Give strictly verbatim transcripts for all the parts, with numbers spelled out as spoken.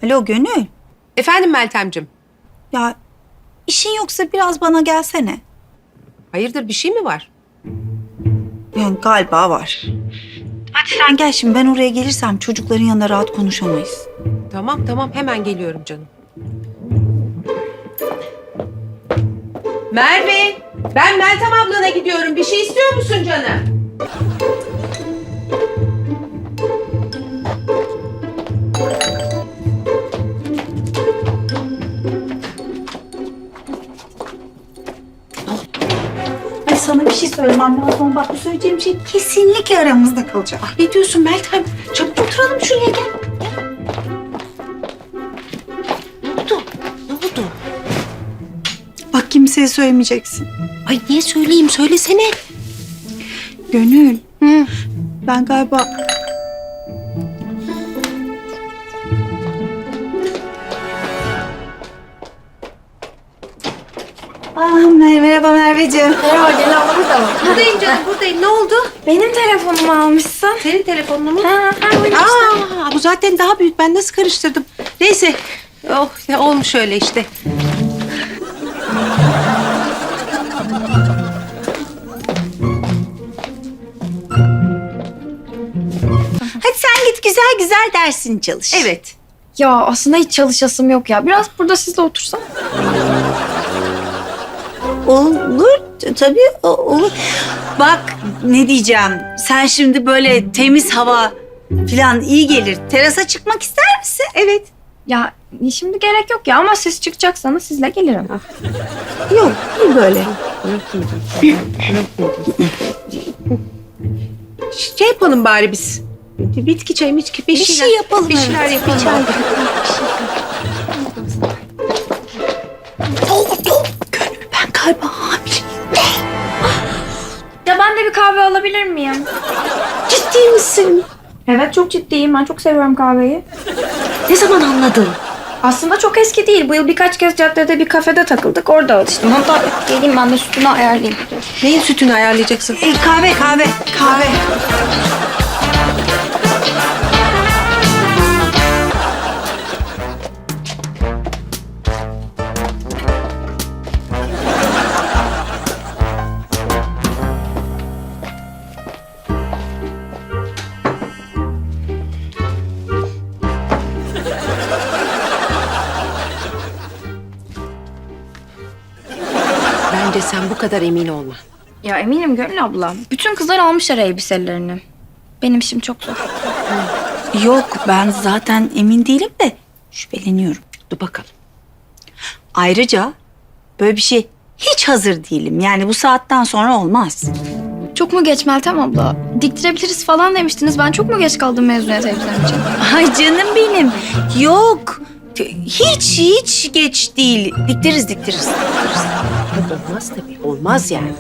Alo Gönül. Efendim Meltemcim. Ya işin yoksa biraz bana gelsene. Hayırdır, bir şey mi var? Yani galiba var. Hadi sen gel şimdi, ben oraya gelirsem çocukların yanında rahat konuşamayız. Tamam tamam, hemen geliyorum canım. Merve, ben Meltem ablana gidiyorum. Bir şey istiyor musun canım? Ay sana bir şey söylemem lazım. Bak bu söyleyeceğim şey kesinlikle aramızda kalacak. Ah, ne diyorsun Meltem? Çabuk oturalım şuraya, gel. Ne oldu? Ne oldu? Bak kimseye söylemeyeceksin. Ay niye söyleyeyim? Söylesene. Gönül. Hı. Ben galiba... Ah, merhaba Merveciğim. Merhaba Gül abla, burada mı? Buradayım canım, buradayım. Ne oldu? Benim telefonumu almışsın. Senin telefonunu mu? Ha, ha buyur işte. Aa, bu zaten daha büyük. Ben nasıl karıştırdım? Neyse. Oh, ya olmuş öyle işte. Hadi sen git güzel güzel dersini çalış. Evet. Ya aslında hiç çalışasım yok ya. Biraz burada sizle otursam. Olur t- tabii o- olur. Bak ne diyeceğim. Sen şimdi böyle temiz hava falan iyi gelir. Terasa çıkmak ister misin? Evet. Ya şimdi gerek yok ya ama siz çıkacaksanız sizle gelirim. Yok iyi böyle. Şey yapalım bari biz. Bitki çayı, bitki bir, Bir şeyler, şey yapalım. Bir şeyler evet. yapalım. Bir çay. Ne oldu? Gönül ben galiba hamileyim. Ya ben de bir kahve alabilir miyim? Ciddi misin? Evet çok ciddiyim. Ben çok seviyorum kahveyi. Ne zaman anladın? Aslında çok eski değil. Bu yıl birkaç kez caddede bir kafede takıldık. Orada alıştım. Hatta geleyim ben de sütünü ayarlayayım. Neyin sütünü ayarlayacaksın? E, kahve kahve kahve. Bence sen bu kadar emin olma. Ya eminim Gönül abla. Bütün kızlar almışlar elbiselerini. Benim işim çok zor. Yok ben zaten emin değilim de şüpheleniyorum. Dur bakalım. Ayrıca böyle bir şey hiç hazır değilim. Yani bu saatten sonra olmaz. Çok mu geç Meltem abla? Diktirebiliriz falan demiştiniz. Ben çok mu geç kaldım mezuniyet elbisem için? Ay canım benim. Yok. Hiç hiç geç değil. Diktiririz diktiririz. Olmaz tabii. Olmaz yani.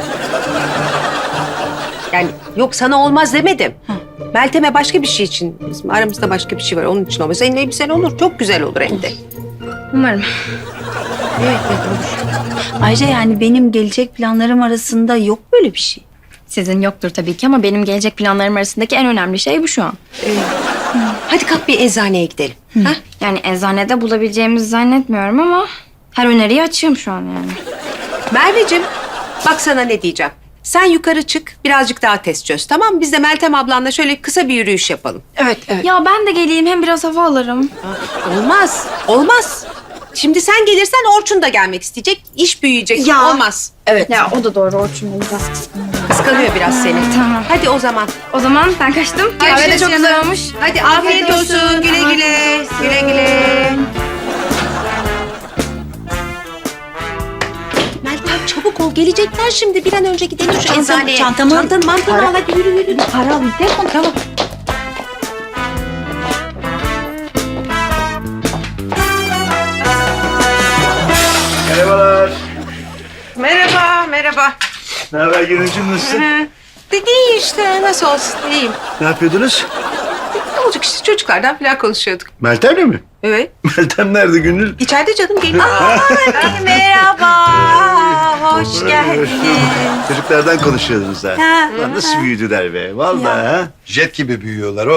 Yani yok, sana olmaz demedim. Meltem'e başka bir şey için. Bizim aramızda başka bir şey var. Onun için olmaz. Senin elbisen olur. Çok güzel olur hem de. Umarım. Evet, evet olur. Ayrıca yani benim gelecek planlarım arasında yok böyle bir şey. Sizin yoktur tabii ki ama benim gelecek planlarım arasındaki en önemli şey bu şu an. Hadi kalk bir eczaneye gidelim. Ha? Yani eczanede bulabileceğimizi zannetmiyorum ama her öneriyi açığım şu an yani. Merveciğim, bak sana ne diyeceğim. Sen yukarı çık, birazcık daha test çöz, tamam mı? Biz de Meltem ablanla şöyle kısa bir yürüyüş yapalım. Evet evet. Ya ben de geleyim hem biraz hava alırım. Olmaz, olmaz. Şimdi sen gelirsen Orçun da gelmek isteyecek, iş büyüyecek. Ya. Olmaz. Evet. Ya o da doğru Orçun Bey biraz kıskanıyor. Kıskanıyor biraz seni. Tamam. Hadi o zaman. O zaman ben kaçtım. Kahve de Görüşürüz çok güzel canım. olmuş. Hadi afiyet olsun. Güle güle. Güle güle. Meltem çabuk ol. Gelecekler şimdi. Bir an önce gidelim şu Çantamı- eczaneye. çantamı- Çantanı mantını Para- al. Hadi yürü yürü. Para alayım. Telefon tamam. Merhabalar. Merhaba, merhaba. Ne haber Gönülcüm, nasılsın? De iyi işte. Nasıl olsun? İyiyim. Ne yapıyordunuz? Ne olacak işte, çocuklardan falan konuşuyorduk. Meltem'le mi? Evet. Meltem nerede Gönül? İçeride canım, geliyor. Merhaba. Hoş geldin. Çocuklardan konuşuyordunuz ha. Ha. Lan nasıl büyüdüler be? Vallahi ha. Jet gibi büyüyorlar oğlum.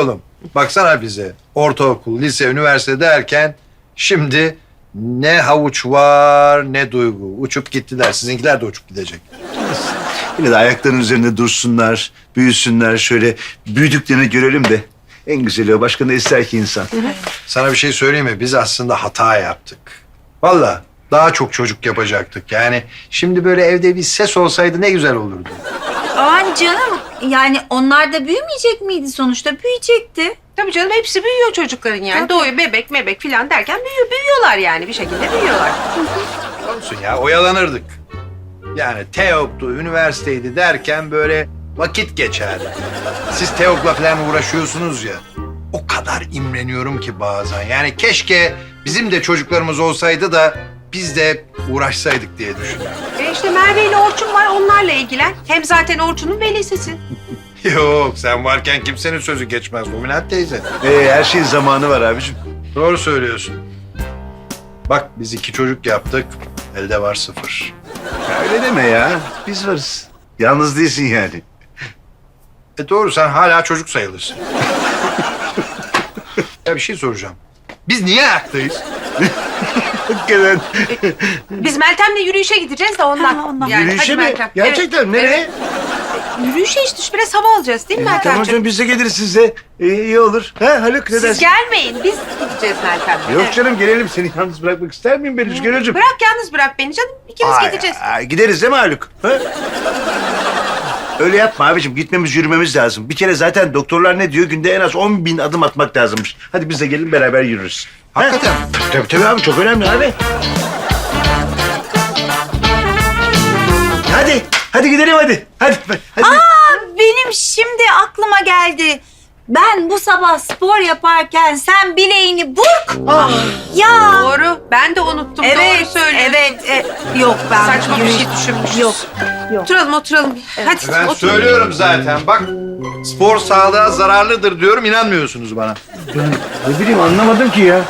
Baksana bize. Ortaokul, lise, üniversite derken şimdi ne havuç var ne duygu. Uçup gittiler. Sizinkiler de uçup gidecek. Yine de ayaklarının üzerinde dursunlar, büyüsünler, şöyle büyüdüklerini görelim de. En güzeli o. Başka ne ister ki insan? Sana bir şey söyleyeyim mi? Biz aslında hata yaptık. Vallahi daha çok çocuk yapacaktık. Yani şimdi böyle evde bir ses olsaydı ne güzel olurdu. Aman canım, yani onlar da büyümeyecek miydi sonuçta? Büyüyecekti. Tabii canım hepsi büyüyor çocukların yani. Doğuyor bebek mebek filan derken büyüyor, büyüyorlar yani bir şekilde büyüyorlar. Olsun ya, oyalanırdık. Yani TEOG'du, üniversiteydi derken böyle vakit geçerdi. Siz TEOG'la falan uğraşıyorsunuz ya. O kadar imreniyorum ki bazen. Yani keşke bizim de çocuklarımız olsaydı da biz de uğraşsaydık diye düşünüyorum. E işte Merve ile Orçun var, onlarla ilgilen. Hem zaten Orçun'un velisisin. Yok, sen varken kimsenin sözü geçmez Dominant teyze. Ee, her şeyin zamanı var abicim. Doğru söylüyorsun. Bak biz iki çocuk yaptık, elde var sıfır. Ya öyle deme ya. Biz varız. Yalnız değilsin yani. E doğru, sen hala çocuk sayılırsın. Ya bir şey soracağım. Biz niye ayaktayız? Hakikaten. Biz Meltem'le yürüyüşe gideceğiz de ondan. Ha, ondan. Yani, Yürüyüşe hadi mi? Meltem. Gerçekten Evet. nereye? Evet. Yürüyüşe işte biraz hava alacağız değil mi Tamam Meltemciğim? canım biz de geliriz size. İyi, iyi olur. Ha Haluk ne Siz dersin? gelmeyin, biz gideceğiz Meltem'le. Yok Evet. canım gelelim. Seni yalnız bırakmak ister miyim ben Rüzgar'cığım? Bırak yalnız bırak beni canım. İkimiz Ay, gideceğiz. ay, gideriz değil mi Haluk? Ha? Öyle yapma abicim. Gitmemiz, yürümemiz lazım. Bir kere zaten doktorlar ne diyor? Günde en az on bin adım atmak lazımmış. Hadi biz de gelin beraber yürürüz. Hakikaten. Ha? Tabii tabii abi. Çok önemli abi. Hadi. Hadi gidelim hadi. Hadi. hadi. Aa, benim şimdi aklıma geldi. Ben bu sabah spor yaparken sen bileğini burk. Ya. Doğru. Ben de unuttum. Doğru Evet, söylüyorsun. evet. e, yok ben Saçma bir yürüyüş- şey düşünmüşüz. Yok, yok. Oturalım oturalım. Hadi Ben oturalım. söylüyorum zaten. Bak, spor sağlığa zararlıdır diyorum, inanmıyorsunuz bana. Ne bileyim anlamadım ki ya.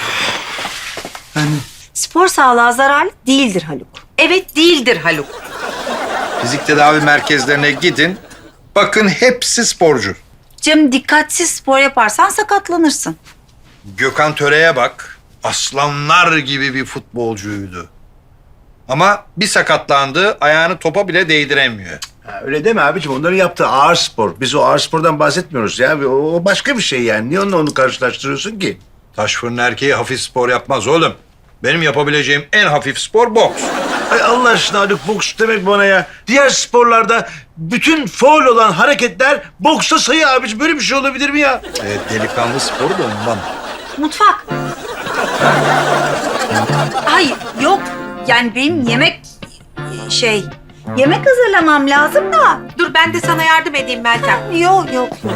Spor sağlığa zararlı değildir Haluk. Evet değildir Haluk. Fizik tedavi merkezlerine gidin. Bakın hepsi sporcu. Cem dikkatsiz spor yaparsan sakatlanırsın. Gökhan Töre'ye bak. Aslanlar gibi bir futbolcuydu. Ama bir sakatlandı, ayağını topa bile değdiremiyor. Ha, öyle deme abicim. Onların yaptığı ağır spor. Biz o ağır spordan bahsetmiyoruz ya. O, o başka bir şey yani. Niye onunla onu karşılaştırıyorsun ki? Taş fırın erkeği hafif spor yapmaz oğlum. Benim yapabileceğim en hafif spor boks. Ay Allah aşkına Haluk boks demek bana ya. Diğer sporlarda bütün faul olan hareketler boksta sayı abicim. Böyle bir şey olabilir mi ya? Evet, delikanlı sporu da ondan. Mutfak. Hayır, yok. Yani benim yemek şey yemek hazırlamam lazım da. Dur ben de sana yardım edeyim Meltem. Yok, yok, yok.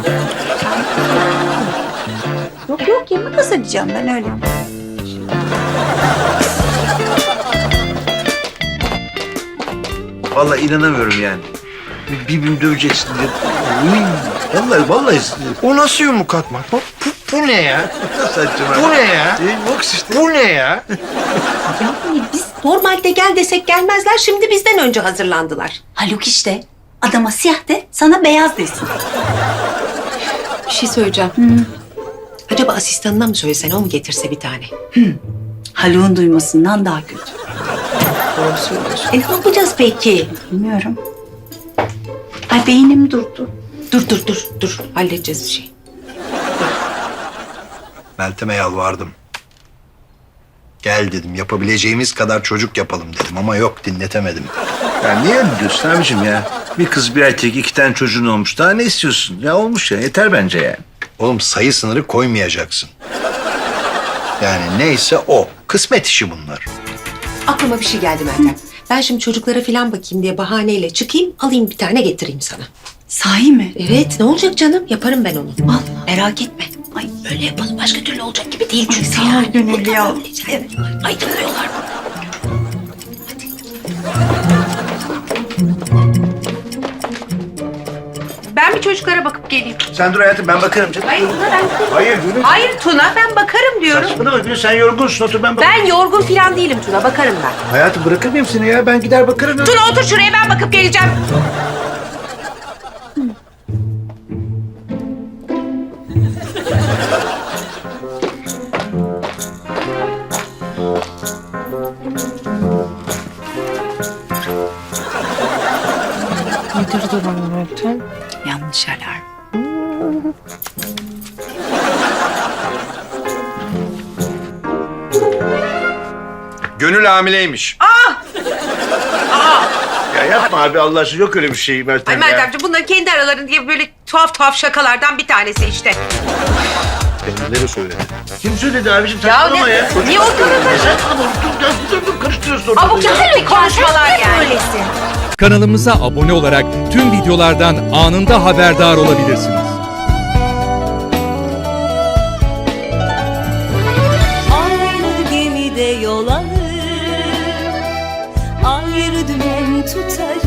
Yok, yok yemek hazırlayacağım ben öyle. Vallahi inanamıyorum yani. Bir- Birbirini döveceksin diye. Uy, Vallahi vallahi. O nasıl yumruk atmak? Bu, bu, bu ne ya? Saçma. Bu ne ya? E, boks işte. Bu ne ya? Yani biz normalde gel desek gelmezler. Şimdi bizden önce hazırlandılar. Haluk işte. Adama siyah de, sana beyaz desin. Bir şey söyleyeceğim. Acaba asistanına mı söylesen o mu getirse bir tane? Haluk'un duymasından daha kötü. Doğru söylüyorsun. E ne yapacağız peki? Bilmiyorum. Ay beynim durdu. Dur dur dur dur. Halledeceğiz bir şey. Meltem'e yalvardım. Gel dedim, yapabileceğimiz kadar çocuk yapalım dedim ama yok, dinletemedim. Ya niye öyle diyorsun abicim ya? Bir kız bir erkek iki tane çocuğun olmuş. Daha ne istiyorsun? Ya olmuş ya yeter bence yani. Oğlum sayı sınırı koymayacaksın. Yani neyse o. Kısmet işi bunlar. Aklıma bir şey geldi Meltem. Ben şimdi çocuklara falan bakayım diye bahaneyle çıkayım, alayım bir tane getireyim sana. Sahi mi? Evet, ne olacak canım? Yaparım ben onu. Vallahi. Merak etme. Ay Öyle yapalım, başka türlü olacak gibi değil çünkü. sağ ol Gönül ya. Evet. Aydınlıyorlar. Ben bir çocuklara bakıp geleyim. Sen dur hayatım ben bakarım canım. Hayır Tuna ben... Hayır Gönül. Hayır Tuna ben bakarım diyorum. Saçmalama Gönül sen yorgunsun otur ben bakarım. Ben yorgun falan değilim Tuna, bakarım ben. Hayatım bırakır mıyım seni ya? Ben gider bakarım. Tuna otur şuraya, ben bakıp geleceğim. Nedir durum Meltem? Yanlış alarm. Gönül hamileymiş. Ya yapma abi Allah aşkına yok öyle bir şey Meltem Ay ya. Meltemciğim bunların kendi aralarında diye böyle tuhaf tuhaf şakalardan bir tanesi işte. Kendileri söyledi. Kim söyledi abicim Ya saçmalama ne- ya. Çocuk- niye ortalığı Ya sen bana dur ya dur dur karıştırıyorsun ortalığı. Abuk ya. sabuk konuşmalar yani. Kanalımıza abone olarak tüm videolardan anında haberdar olabilirsiniz. Aynı gemide yol alır, ayrı dümen tutarız.